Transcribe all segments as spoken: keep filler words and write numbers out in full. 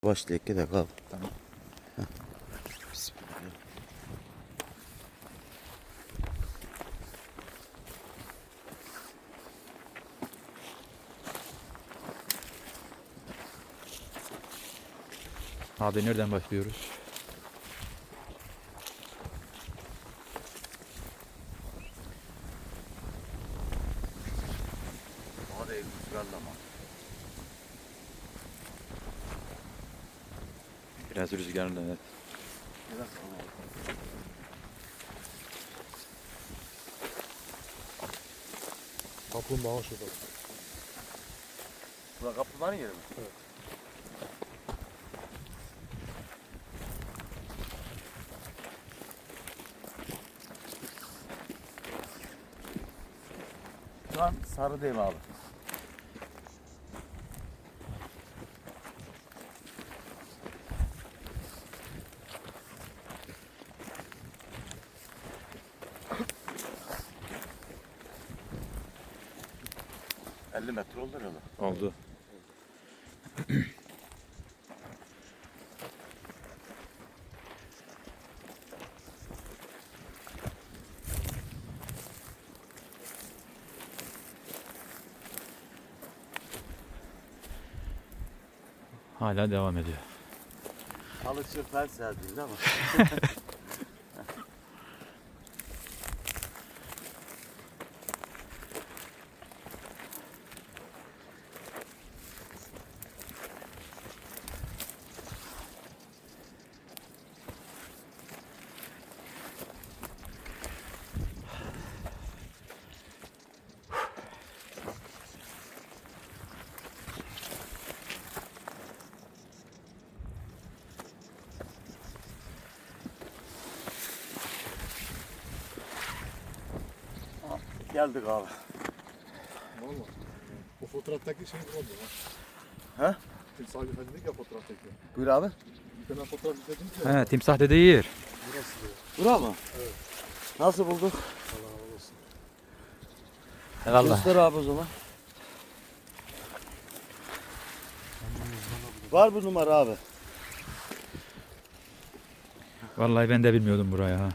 Başlayık da kal. Tamam. Bismillah. Abi nereden başlıyoruz? Hadi rüzgarla ama. Biraz rüzgarlı, evet. Biraz hava. Kaplumbağa şurada. Bura kaplumbağanın yeri mi? Evet. Şu an sarıdayım abi. elli metre oldu herhalde. Oldu. Hala devam ediyor. Halı çırpar serdiyiz ama. Geldik abi. Valla. O fotoğraftaki şey bulamadım ha. He? Timsah dedik ya fotoğraftaki. Buyur abi. Bir tane fotoğraf izledim ki. ya. He, timsah dediği yer. Burası diyor. Bura mı? Evet. Nasıl bulduk? Allah razı olsun. Eyvallah. Göster abi o zaman. Var bu numara abi. Vallahi ben de bilmiyordum burayı ha.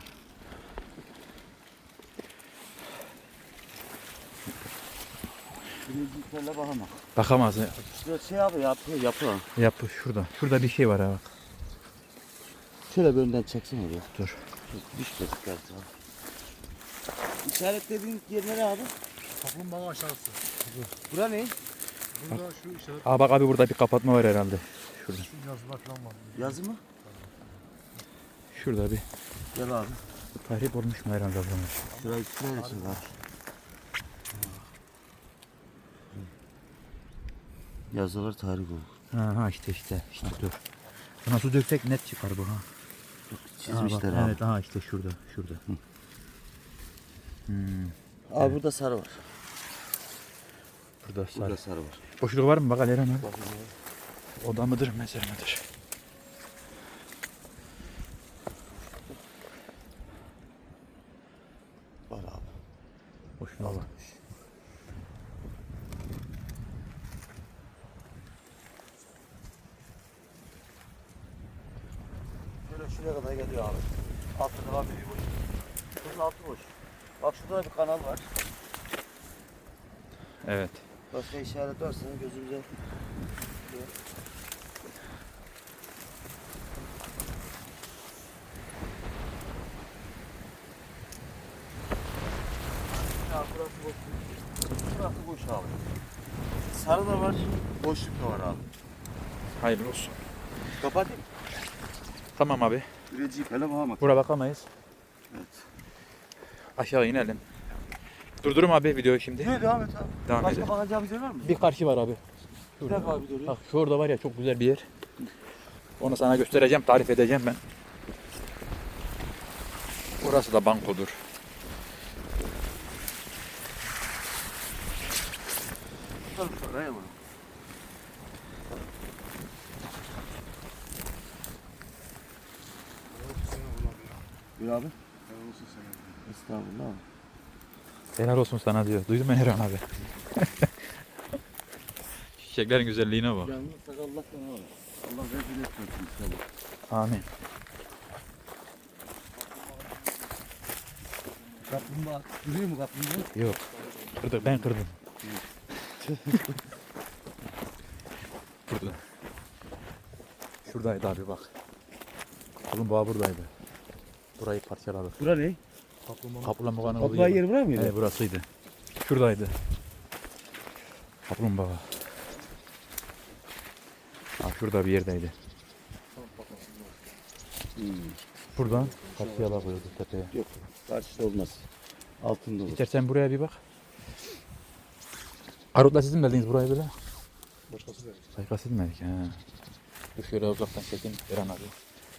Birinciliklerle bakamam. Bakamaz. Şurada şey abi yapıyor yapı. Yap şurada. Şurada bir şey var ha bak. Şöyle bir önden çeksene bir. Dur. Düştü geldi abi. İşaretlediğin yer nere abi? Kaplumbağa aşağısı. Bura ne? Burada şu işaret, Aa bak abi burada bir kapatma var herhalde. Şurada. şu yazılar falan var. Yazı mı? Şurada bir Gel abi. tahrip olmuş mu herhalde buranın? Şurayı şuraya geçin abi. Yazılar tarih bu. Ha, ha işte işte işte dur. Buna su döksek net çıkar bu ha. Çizmişler Ha, bak, abi. evet ha işte şurada şurada. Hmm, Abi burada sarı var. burada sarı. Burada sarı var. Boşluk var mı bak Eren abi? Bakın abi. Oda mıdır mezar mıdır? Var abi. Boşluğa bak. Şöyle şuraya kadar geliyor abi. Altı devam ediyor boş. Bunun altı boş. Bak şurada da bir kanal var. Evet. Başka işaret varsa gözümüze. Ya burası boş. Burası boş abi. Sarı da var, boşluk da var abi. Hayırlı olsun. Kapatayım. Tamam abi. Üreciyi falan bakamak. Buraya bakamayız. Evet. Aşağı inelim. Durdurum abi videoyu şimdi. Yürü devam et abi. Devam Başka edelim. bakacağımız yer var mı? Bir karşı var abi. Bir dakika abi dur. Bak şurada var ya çok güzel bir yer. Onu sana göstereceğim, tarif edeceğim ben. Burası da bankodur. Dur şuraya vurun. Buyur abi. Helal olsun sana. Estağfurullah abi. Helal olsun sana diyor. Duydun mu Eren abi? Çiçeklerin güzelliğine bak. Yalnız sakallah sana abi. Allah rezil etmesin inşallah. Amin. Kaplumbağa duruyor mu kaplumbağa? Yok. Kırdık, ben kırdım. Burada. Şuradaydı abi bak. Kaplumbağa buradaydı. Burayı parçaladık. Bura ne? Kaplumbağanın Kaplumbağanın olduğu Kaplumbağa yer. yeri bura mıydı? Evet burasıydı. Şuradaydı. Kaplumbağa. Ha, şurada bir yerdeydi. Hmm. Buradan karşıya bakıyordu tepeye. Yok. Karşıda olmaz. Altında olur. İstersen buraya bir bak. Arut'la siz mi geldiniz buraya böyle? başkası verir. Başka siz mi geldik? Ha. Dur şöyle uzaktan çekeyim. Eren abi.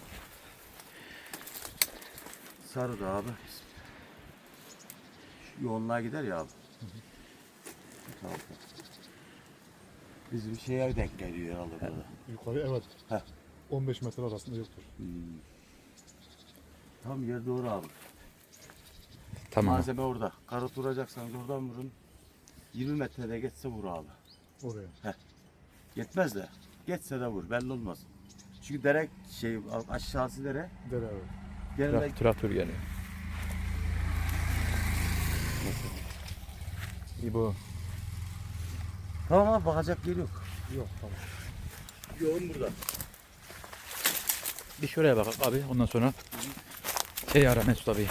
Sarı da abi. Şu yoğunluğa gider ya abi. Tamam. Bizim şeye denk geliyor herhalde burada. Yukarı evet. Heh. on beş metre arasında yoktur. Hmm. Tam yer doğru abi. Tamam. Malzeme orada. Karot vuracaksanız oradan vurun. yirmi metrede geçse vur abi. Oraya. Yetmez de. Geçse de vur. Belli olmaz. Çünkü dere şey aşağısı dere. Dere evet. Genelde Tra- traktör geliyor. İbo. tamam abi bakacak yer yok. Yok tamam. Yoğun burada. Bir şuraya bak abi. Ondan sonra şey ara Mesut abi.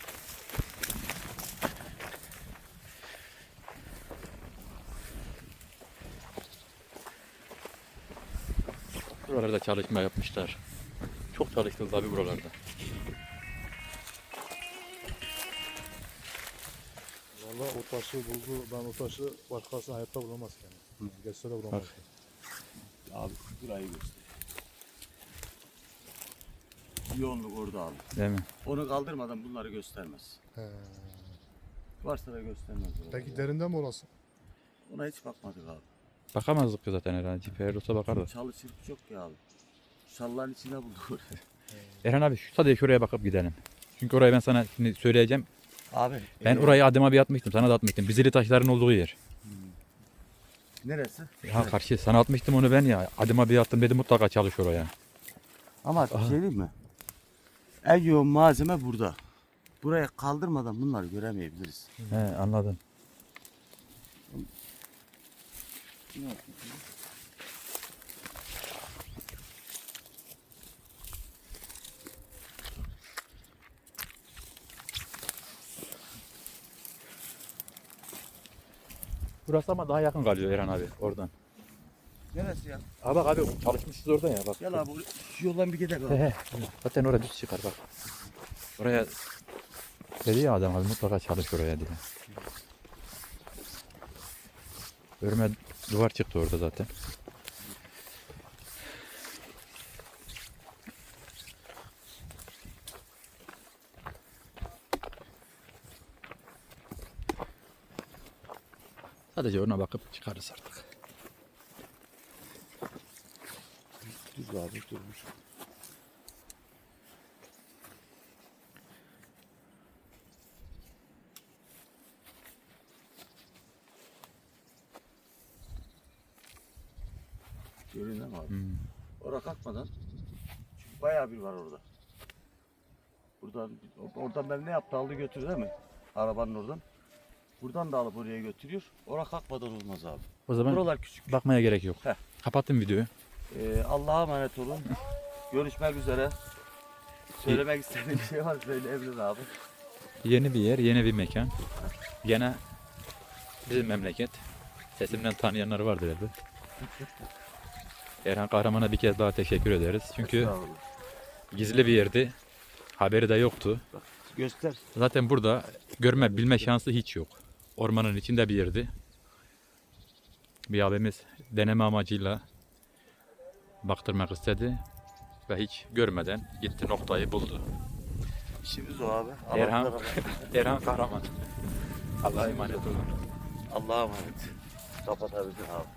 Buralarda çalışma yapmışlar. Çok çalıştı abi buralarda. Valla o taşı buldu. Ben o taşı başkası hayatta bulamaz yani. Geçse de bulamaz. Bak. Abi burayı göster. Yoğunluk orada abi. Değil mi? Onu kaldırmadan bunları göstermez. He. Varsa da göstermez. Peki derinde mi orası? Ona hiç bakmadık abi. Bakamazdık ki zaten herhalde. Ciper olsa bakardı. Çalı çırpı çok ya abi. Şalların içine bulduk orayı. Erhan abi şu sadece şuraya bakıp gidelim. Çünkü orayı ben sana şimdi söyleyeceğim. Abi. Ben e, orayı adıma bir atmıştım. Sana da atmıştım. Bizili taşların olduğu yer. Neresi? Ha karşı sana atmıştım onu ben ya. Adıma bir attım dedim mutlaka çalış oraya. Ama bir şey diyeyim mi? En yoğun malzeme burada. Buraya kaldırmadan bunları göremeyebiliriz. He anladım. Burası ama daha yakın kalıyor Eren abi oradan. Neresi ya? Ha bak abi çalışmışız orada ya bak. Gel abi şu yoldan bir gidelim. He abi. he. Zaten oraya düz çıkar bak. Oraya dedi ya adam abi mutlaka çalış oraya diye. Örme duvar çıktı orada zaten. Sadece ona bakıp çıkarız artık. Dur abi durmuş. Görüyor musun abi? Hmm. Oraya kalkmadan. Çünkü bayağı bir var orada. Buradan, oradan ben ne yaptı aldı götürdü değil mi? Arabanın oradan. Buradan da alıp oraya götürüyor. Oraya kalkmadan olmaz abi. O zaman Buralar küçük. bakmaya gerek yok. Heh. Kapattım videoyu. Ee, Allah'a emanet olun. Görüşmek üzere. Söylemek istediğim bir şey var söyleyebilir abi. Yeni bir yer, yeni bir mekan. Gene bizim memleket. Sesimden tanıyanlar vardır elbet. Erhan Kahraman'a bir kez daha teşekkür ederiz. Çünkü Estağfurullah. gizli bir yerdi. Haberi de yoktu. Göster. Zaten burada görme, bilme şansı hiç yok. Ormanın içinde bir yerdi. Bir abimiz deneme amacıyla baktırmak istedi. Ve hiç görmeden gitti noktayı buldu. İşimiz o abi. Erhan, Allah'a Erhan Kahraman. Allah'a emanet olun. Allah'a emanet. Kapatabilirsin abi.